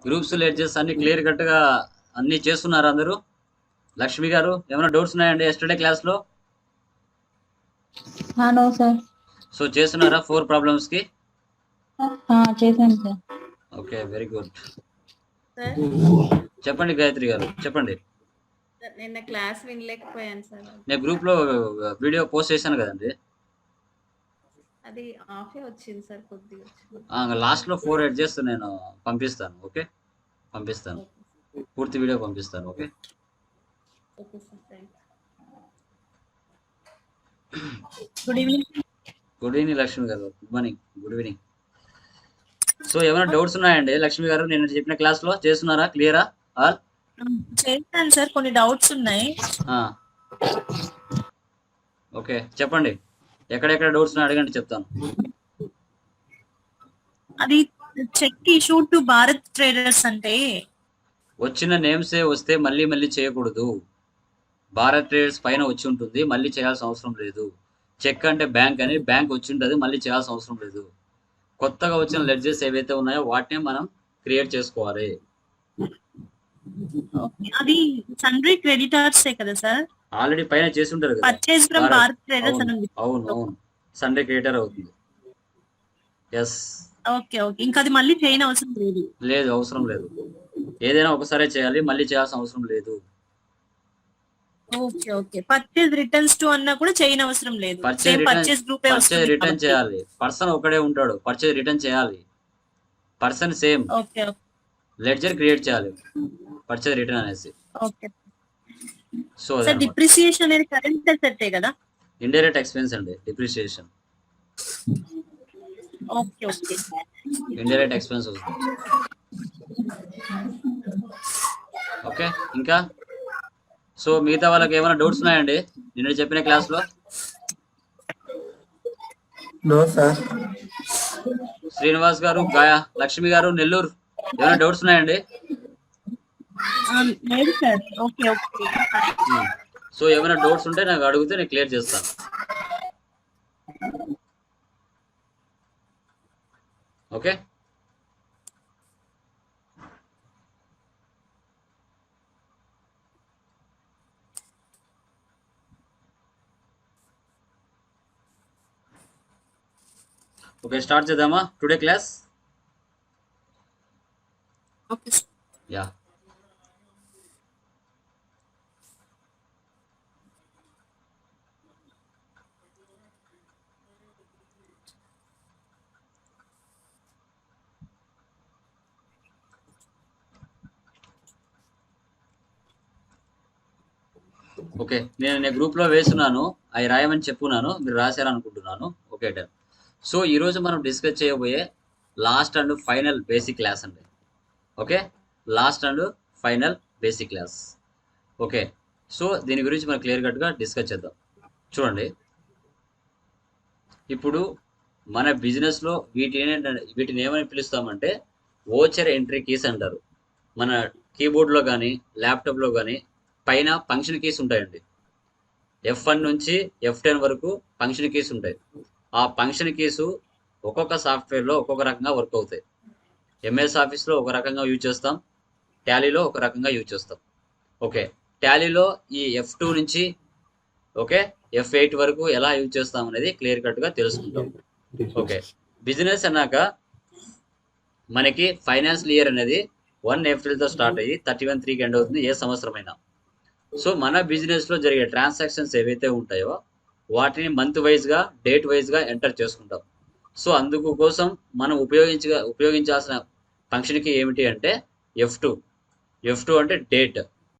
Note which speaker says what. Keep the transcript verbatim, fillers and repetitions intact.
Speaker 1: Groups ledgers అన్ని clear కట్గా అన్ని చేస్తున్నారు అందరూ. లక్ష్మి గారు ఏమైనా డౌట్స్ ఉన్నాయండి ఎస్టర్డే క్లాస్లో?
Speaker 2: No sir.
Speaker 1: సో చేస్తున్నారా ఫోర్ ప్రాబ్లమ్స్కి?
Speaker 2: చేశాను sir.
Speaker 1: Okay, very good.
Speaker 3: Sir
Speaker 1: చెప్పండి గాయత్రి గారు, చెప్పండి.
Speaker 3: నిన్న క్లాస్ వినలేకపోయాను సార్.
Speaker 1: నేను గ్రూప్లో వీడియో పోస్ట్ చేశాను కదండి.
Speaker 3: అది ఆఫే వచ్చింది సార్, కొద్దిగా వచ్చింది.
Speaker 1: లాస్ట్లో ఫోర్ ఎడ్జెస్ నేను పంపిస్తాను. ఓకే, పంపిస్తాను, పూర్తి వీడియో పంపిస్తాను. Okay
Speaker 3: okay sir, thank
Speaker 2: good evening.
Speaker 1: Good evening Lakshmi గారు. Good morning, good evening. So ఏమైనా డౌట్స్ ఉన్నాయండి లక్ష్మి గారు? నేను చెప్పిన క్లాస్లో చేస్తున్నారా? క్లియరా ఆల్?
Speaker 2: చేస్తాను సార్, కొన్ని డౌట్స్ ఉన్నాయి.
Speaker 1: ఓకే చెప్పండి, ఎక్కడెక్కడ డౌట్స్ ఉన్నాయి అడగండి, చెప్తాను.
Speaker 2: అది cheque issue to Bharat traders అంటే
Speaker 1: వచ్చిన నేమ్సే వస్తే మళ్ళీ మళ్ళీ చేయకూడదు. భారత్ ట్రేడర్స్ పైన వచ్చి ఉంటుంది, మళ్ళీ చేయాల్సిన అవసరం లేదు. చెక్ అంటే బ్యాంక్ అని, బ్యాంక్ వచ్చి ఉంటుంది, మళ్ళీ చేయాల్సిన అవసరం లేదు. కొత్తగా వచ్చిన లెడ్జెస్ ఏవైతే ఉన్నాయో వాటిని మనం క్రియేట్ చేసుకోవాలి.
Speaker 2: అది సన్రీ క్రెడిటర్స్ కదా సార్?
Speaker 1: ఆల్రెడీ పైన చేసి ఉంటారు కదా.
Speaker 2: పర్చేస్ ఫ్రమ్ భారత్ ట్రేడర్స్ అని ఉంది.
Speaker 1: అవును అవును, సన్రీ క్రియేటర్ అవుతుంది. ఎస్.
Speaker 2: ఓకే ఓకే, ఇంకా అది మళ్ళీ చేయని అవసరం లేదు.
Speaker 1: లేదు, అవసరం లేదు. ఏదైనా ఒకసారి చేయాలి, మళ్ళీ చేయాల్సిన అవసరం లేదు.
Speaker 2: Okay okay, purchase returns to అన్నా కూడా చేయని అవసరం లేదు.
Speaker 1: పర్చేస్
Speaker 2: పర్చేస్ గ్రూపే వస్తుంది.
Speaker 1: రిటర్న్ చేయాలి. పర్సన్ ఒకడే ఉంటాడు, పర్చేస్ రిటర్న్ చేయాలి. Person same.
Speaker 2: Okay okay,
Speaker 1: ledger create చేయాలి పర్చేస్ రిటర్న్ అనేసి.
Speaker 2: ఓకే.
Speaker 1: సో
Speaker 2: సార్ డిప్రిసియేషన్ అనేది కరెంట్ అసెట్టే కదా?
Speaker 1: ఇండైరెక్ట్ ఎక్స్పెన్స్ అండి depreciation.
Speaker 2: Okay okay,
Speaker 1: indirect expense వస్తుంది. ఓకే, ఇంకా సో మిగతా వాళ్ళకి ఏమైనా డౌట్స్ ఉన్నాయండి నిన్న చెప్పిన క్లాస్లో?
Speaker 4: No sir.
Speaker 1: శ్రీనివాస్ గారు, గాయా, లక్ష్మి గారు, నెల్లూరు, ఏమైనా డౌట్స్ ఉన్నాయండి?
Speaker 2: లేదు సార్. ఓకే ఓకే,
Speaker 1: సో ఏమైనా డౌట్స్ ఉంటే నాకు అడిగితే నేను క్లియర్ చేస్తాను. ఓకే, ఓకే స్టార్ట్ చేద్దామా today class?
Speaker 2: Okay
Speaker 1: yeah. Okay, నేను నేను గ్రూప్లో వేస్తున్నాను, అవి రాయమని చెప్పున్నాను, మీరు రాశారనుకుంటున్నాను. Okay done. సో ఈరోజు మనం డిస్కస్ చేయబోయే last and final basic class అండి. Okay, last and final basic class. Okay, so దీని గురించి మనం క్లియర్ కట్గా డిస్కస్ చేద్దాం. చూడండి, ఇప్పుడు మన బిజినెస్లో వీటిని వీటిని ఏమని పిలుస్తామంటే వోచర్ ఎంట్రీ కీస్ అంటారు. మన కీబోర్డ్లో కానీ ల్యాప్టాప్లో కానీ పైన ఫంక్షన్ కీస్ ఉంటాయండి. ఎఫ్ వన్ నుంచి ఎఫ్ టెన్ వరకు ఫంక్షన్ కీస్ ఉంటాయి. ఆ ఫంక్షన్ కీసు ఒక్కొక్క సాఫ్ట్వేర్లో ఒక్కొక్క రకంగా వర్క్ అవుతాయి. ఎంఎస్ ఆఫీస్లో ఒక రకంగా యూజ్ చేస్తాం, టాలీలో ఒక రకంగా యూజ్ చేస్తాం. ఓకే, టాలీలో ఈ ఎఫ్ టూ నుంచి ఓకే ఎఫ్ ఎయిట్ వరకు ఎలా యూజ్ చేస్తాం అనేది క్లియర్ కట్గా తెలుసుకుంటాం. ఓకే, బిజినెస్ అన్నాక మనకి ఫైనాన్షియల్ ఇయర్ అనేది వన్ ఏప్రిల్తో స్టార్ట్ అయ్యి థర్టీ వన్ త్రీకి ఎండ్ అవుతుంది, ఏ సంవత్సరమైనా. సో మన బిజినెస్లో జరిగే ట్రాన్సాక్షన్స్ ఏవైతే ఉంటాయో వాటిని మంత్ వైజ్గా డేట్ వైజ్గా ఎంటర్ చేసుకుంటాం. సో అందుకు కోసం మనం ఉపయోగించ ఉపయోగించాల్సిన ఫంక్షన్కి ఏమిటి అంటే ఎఫ్ టూ. ఎఫ్ టూ అంటే డేట్.